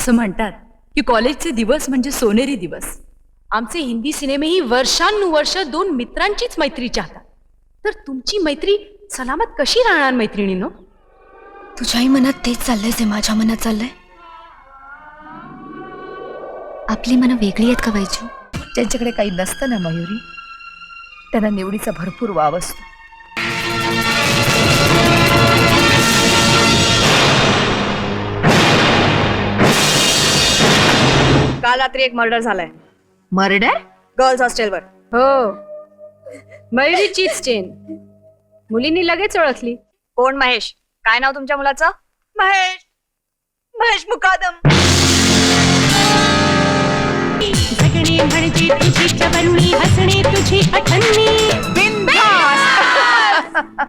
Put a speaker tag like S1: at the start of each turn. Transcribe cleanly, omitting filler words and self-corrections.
S1: असं म्हणतात की कॉलेजचे दिवस म्हणजे सोनेरी दिवस. आमचे हिंदी सिनेमेही वर्षानुवर्ष दोन मित्रांचीच मैत्री चाहतात. तर तुमची मैत्री सलामत कशी राहणार मैत्रिणीनो?
S2: तुझ्याही मनात तेच चाललंय जे माझ्या मनात चाललंय. आपली मनं वेगळी आहेत का वैजू?
S3: ज्यांच्याकडे काही नसतं ना मयुरी, त्यांना निवडीचा भरपूर वाव असतो.
S4: काल रात्री एक मर्डर झालाय
S3: मर्डर?
S4: गर्ल्स हॉस्टेलवर.
S1: हो, मयुरीचीच चेन. मुलींनी लगेच ओळखली.
S4: कोण? महेश. काय नाव तुमच्या मुलाचं? महेश. महेश मुकादम.
S5: जगणे म्हणजे तुझी चवरणी, हसणे तुझी अठन्नी.